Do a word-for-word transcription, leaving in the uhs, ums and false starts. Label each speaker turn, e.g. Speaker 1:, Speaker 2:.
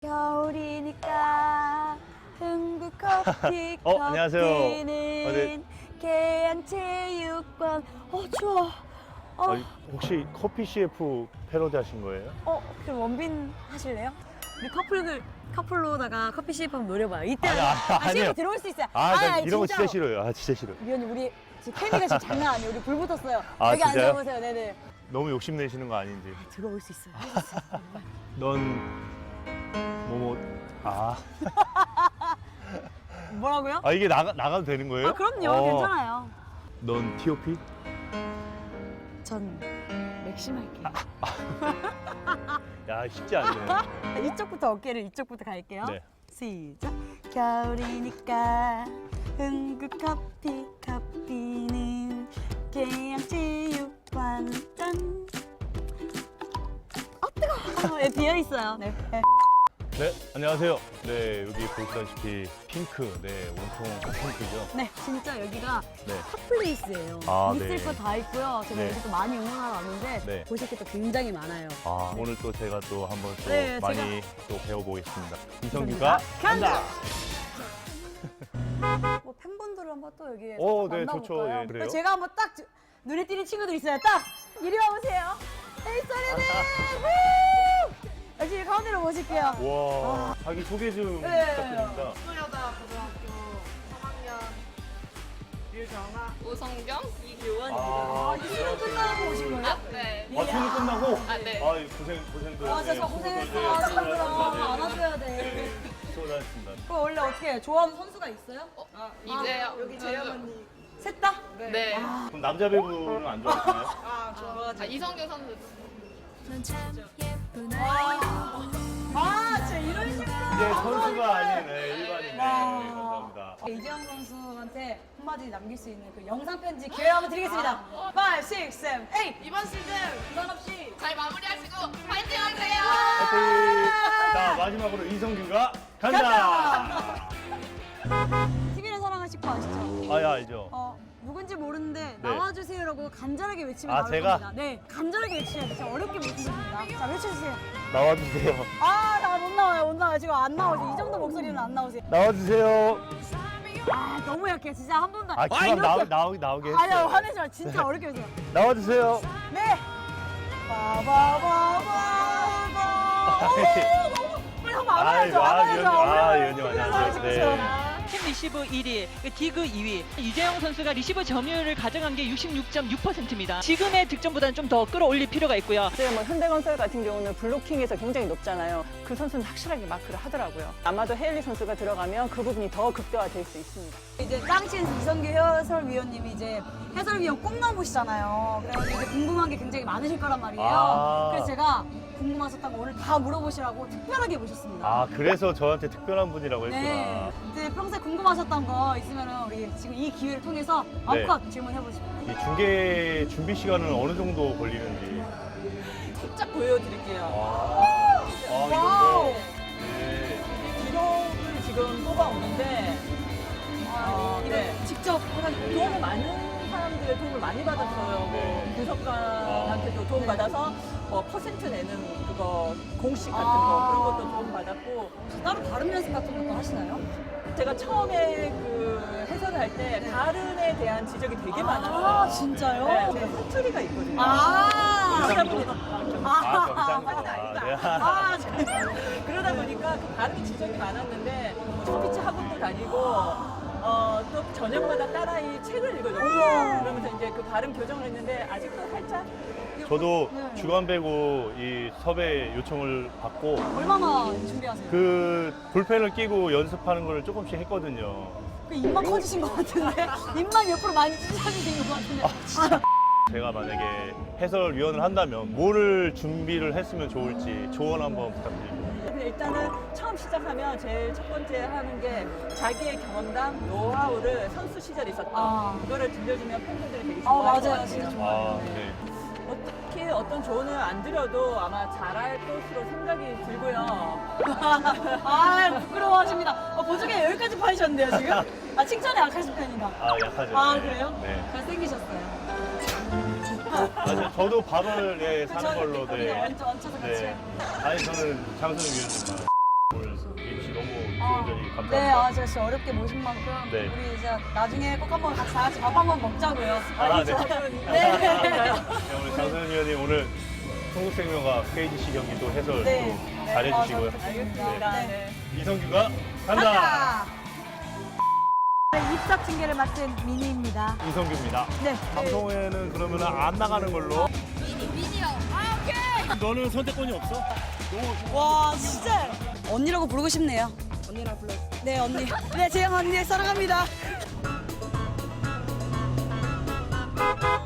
Speaker 1: 겨울이니까 흥국 커피
Speaker 2: 어, 안녕하세요.
Speaker 1: 커피는
Speaker 2: 아, 네.
Speaker 1: 계양체육관. 어 추워. 어,
Speaker 2: 아, 혹시 커피 씨에프 패러디 하신 거예요?
Speaker 1: 어 그럼 원빈 하실래요? 우리 커플들 커플로다가 커피 시입 한번 노려봐요. 이때
Speaker 2: 아니, 아니,
Speaker 1: 아,
Speaker 2: 아니에요.
Speaker 1: 시입 들어올 수 있어요.
Speaker 2: 아, 나
Speaker 1: 아니,
Speaker 2: 이런 거 진짜
Speaker 1: 진짜로.
Speaker 2: 싫어요. 아, 진짜 싫어요.
Speaker 1: 위원님 우리 지금 케미가 지금 장난 아니에요. 우리 불 붙었어요.
Speaker 2: 아,
Speaker 1: 여기
Speaker 2: 진짜요?
Speaker 1: 앉아보세요. 네네.
Speaker 2: 너무 욕심내시는 거 아닌지.
Speaker 1: 들어올 수 있어요. 할 수 있어요.
Speaker 2: 넌 뭐뭐 아,
Speaker 1: 뭐라고요?
Speaker 2: 아 이게 나가 나가도 되는 거예요?
Speaker 1: 아 그럼요.
Speaker 2: 어.
Speaker 1: 괜찮아요.
Speaker 2: 넌 티오피?
Speaker 1: 전 맥심 할게요.
Speaker 2: 야, 쉽지 않네.
Speaker 1: 이쪽부터 어깨를 이쪽부터 갈게요.
Speaker 2: 네.
Speaker 1: 시작. 겨울이니까 흥국 커피 커피는 계양체육관 짠. 아 뜨거워. 예, 비어 있어요. 네.
Speaker 2: 네, 안녕하세요. 네, 여기 보시다시피 핑크, 네, 온통 핑크죠.
Speaker 1: 네, 진짜 여기가
Speaker 2: 네.
Speaker 1: 핫플레이스예요.
Speaker 2: 아,
Speaker 1: 있을
Speaker 2: 네.
Speaker 1: 거 다 있고요. 제가
Speaker 2: 네.
Speaker 1: 여기 또 많이 응원하러 왔는데
Speaker 2: 네.
Speaker 1: 보실 게 또 굉장히 많아요.
Speaker 2: 아, 오늘 또 제가 또 한번 또
Speaker 1: 네,
Speaker 2: 많이 또 배워보겠습니다.
Speaker 1: 이성규가
Speaker 2: 이성규가 간다!
Speaker 1: 뭐 팬분들을 한번 또 여기에
Speaker 2: 오, 네,
Speaker 1: 만나볼까요?
Speaker 2: 좋죠. 예, 그래요.
Speaker 1: 제가 한번 딱 주- 눈에 띄는 친구들 있어요. 딱 이리 와보세요. 헤이 소리들! 여기 가운데로 모실게요.
Speaker 2: 와, 자기 소개 좀
Speaker 1: 네.
Speaker 2: 부탁드립니다.
Speaker 3: 소여자 고등학교 삼 학년 유정아
Speaker 4: 오성경?
Speaker 2: 아,
Speaker 1: 이 수능 끝나고 오신 거예요?
Speaker 4: 아, 네.
Speaker 2: 아, 수능 끝나고?
Speaker 4: 아, 네.
Speaker 2: 아, 고생, 고생들.
Speaker 1: 아, 진짜 고생했어. 아, 친구들아. 안아줘야 돼.
Speaker 2: 수고하셨습니다.
Speaker 1: 그럼 원래 어떻게 좋아하는 선수가 있어요?
Speaker 4: 이제요.
Speaker 3: 여기 재영 언니
Speaker 1: 셋 다?
Speaker 4: 네.
Speaker 2: 그럼 남자 배구는 안 좋아하시나요?
Speaker 3: 아 좋아가지고
Speaker 4: 아, 이성경 선수.
Speaker 1: 아, 진짜 이런 식으로.
Speaker 2: 이제 선수가 아닌 네, 일반인. 네,
Speaker 1: 와.
Speaker 2: 감사합니다.
Speaker 1: 이재영 선수한테 한마디 남길 수 있는 그 영상 편지 기회 한번 드리겠습니다. 오, 육, 칠, 팔
Speaker 4: 이번 시즌
Speaker 1: 부산 없이
Speaker 4: 잘 마무리하시고 파이팅 하세요!
Speaker 2: 파이팅! 자, 마지막으로 이성규가 간다!
Speaker 1: 티비를 사랑하실 거 아시죠?
Speaker 2: 아, 야, 알죠?
Speaker 1: 어, 누군지 모르는데
Speaker 2: 네.
Speaker 1: 나와주세요라고 간절하게 외치면
Speaker 2: 아,
Speaker 1: 나올
Speaker 2: 제가?
Speaker 1: 겁니다. 네, 간절하게 외치셔야 돼요. 진짜 어렵게 외치십니다. 자, 외쳐주세요.
Speaker 2: 나와주세요.
Speaker 1: 아, 나 못 나와요, 못 나와요. 지금 안 나오지. 이 정도 목소리는 안 나오세요.
Speaker 2: 나와주세요.
Speaker 1: 아, 너무 약해. 진짜 한 번도.
Speaker 2: 아, 그만 나오, 나오, 나오게 했어요.
Speaker 1: 아니야, 화내지 마. 진짜 어렵게 외쳐요.
Speaker 2: 나와주세요.
Speaker 1: 네. 바바바바바. 오, 너무 빨리 한번 안아야죠.
Speaker 2: 아이고, 아,
Speaker 1: 안아야죠.
Speaker 2: 위원님, 아,
Speaker 1: 안아야죠.
Speaker 2: 위원님 안녕하세요. 네.
Speaker 5: 팀 리시브 일 위, 디그 이 위. 유재영 선수가 리시브 점유율을 가져간 게 육십육 점 육 퍼센트입니다. 지금의 득점보다는 좀 더 끌어올릴 필요가 있고요.
Speaker 6: 지금 뭐 현대건설 같은 경우는 블로킹에서 굉장히 높잖아요. 그 선수는 확실하게 마크를 하더라고요. 아마도 헤일리 선수가 들어가면 그 부분이 더 극대화될 수 있습니다.
Speaker 1: 이제 짱친 이성규 해설위원님이 이제 해설위원 꿈나무시잖아요. 그래서 이제 궁금한 게 굉장히 많으실 거란 말이에요.
Speaker 2: 아.
Speaker 1: 그래서 제가 궁금하셨다고 오늘 다 물어보시라고 특별하게 모셨습니다.
Speaker 2: 아, 그래서 저한테 특별한 분이라고 했구나.
Speaker 1: 네. 이제 평소에 궁금하셨던 거 있으면 우리 지금 이 기회를 통해서 마음껏 질문해보시면
Speaker 2: 이 중계 준비 시간은 어느 정도 걸리는지.
Speaker 6: 살짝 보여드릴게요.
Speaker 2: 아, 아 이런 거. 네.
Speaker 6: 기록을 지금 뽑아오는데 어, 네.
Speaker 1: 직접 해가지고
Speaker 6: 도움을 많은 사람들의 도움을 많이 받았어요.
Speaker 2: 네.
Speaker 6: 뭐 분석가한테도 도움 받아서 뭐 퍼센트 내는 그거 공식 같은
Speaker 1: 아.
Speaker 6: 거 그런 것도 도움 받았고
Speaker 1: 따로 발음 연습 같은 것도 하시나요?
Speaker 6: 제가 처음에 그 해설을 할 때 발음에 대한 지적이 되게
Speaker 1: 아,
Speaker 6: 많았어요.
Speaker 1: 진짜요?
Speaker 6: 네, 제 사투리가 있거든요.
Speaker 1: 아,
Speaker 6: 그러다 보니까
Speaker 2: 아, 경상도. 아, 네.
Speaker 1: 아, 진짜.
Speaker 6: 그러다 보니까 그 발음이 지적이 많았는데 스피치 학원도 다니고 어, 또 저녁마다 딸아이 책을 읽어줬어요. 그러면서 이제 그 발음 교정을 했는데 아직도 살짝
Speaker 2: 저도
Speaker 1: 네.
Speaker 2: 주간 배구 이 섭외 요청을 받고
Speaker 1: 얼마나 준비하세요? 그,
Speaker 2: 그 볼펜을 끼고 연습하는 걸 조금씩 했거든요.
Speaker 1: 입만 커지신 것 같은데? 입만 옆으로 많이 찢어지신 것 같은데?
Speaker 2: 제가 만약에 해설위원을 한다면 뭐를 준비를 했으면 좋을지 조언 한번 부탁드립니다.
Speaker 6: 근데 일단은 처음 시작하면 제일 첫 번째 하는 게 자기의 경험담, 노하우를 선수 시절에 있었던
Speaker 1: 아.
Speaker 6: 그거를 들려주면 팬분들이 되게
Speaker 1: 아,
Speaker 6: 좋아할 것
Speaker 1: 맞아요.
Speaker 6: 같아요.
Speaker 1: 진짜
Speaker 2: 아,
Speaker 1: 좋아요.
Speaker 2: 네.
Speaker 6: 어떻게 어떤 조언을 안 드려도 아마 잘할 것으로 생각이 들고요.
Speaker 1: 아, 부끄러워하십니다. 어, 보조개 여기까지 파이셨는데요, 지금? 아, 칭찬에 약하신 편이다.
Speaker 2: 아, 약하죠.
Speaker 1: 아,
Speaker 2: 네.
Speaker 1: 그래요?
Speaker 2: 네.
Speaker 1: 잘생기셨어요.
Speaker 2: 맞아요. 저도 밥을 네, 사는
Speaker 1: 그쵸?
Speaker 2: 걸로.
Speaker 1: 우리
Speaker 2: 네.
Speaker 1: 얹혀, 얹혀서 같이.
Speaker 2: 네. 아니, 저는 장선우 위원님만. 간절히 감사합니다.
Speaker 1: 네, 아, 제가 진짜 어렵게 모신 만큼
Speaker 2: 네.
Speaker 1: 우리 이제 나중에 꼭 한번 같이 다 같이 밥 한번 먹자고요.
Speaker 2: 아, 네.
Speaker 1: 네.
Speaker 2: 네, 오늘 장소연 위원님 오늘 한국생명과 케이지씨 경기 또 해설
Speaker 1: 네.
Speaker 2: 또 잘해주시고요.
Speaker 1: 아,
Speaker 6: 알겠습니다.
Speaker 1: 네.
Speaker 6: 네.
Speaker 2: 이성규가 간다.
Speaker 1: 간다. 네, 입석 징계를 맡은 미니입니다.
Speaker 2: 이성규입니다.
Speaker 1: 네.
Speaker 2: 방송에는 그러면 안 나가는 걸로.
Speaker 4: 미니 미니요. 아 오케이.
Speaker 2: 너는 선택권이 없어?
Speaker 1: 와, 진짜 언니라고 부르고 싶네요. 언니라 불러. 네, 언니. 네, 재영 언니 사랑합니다.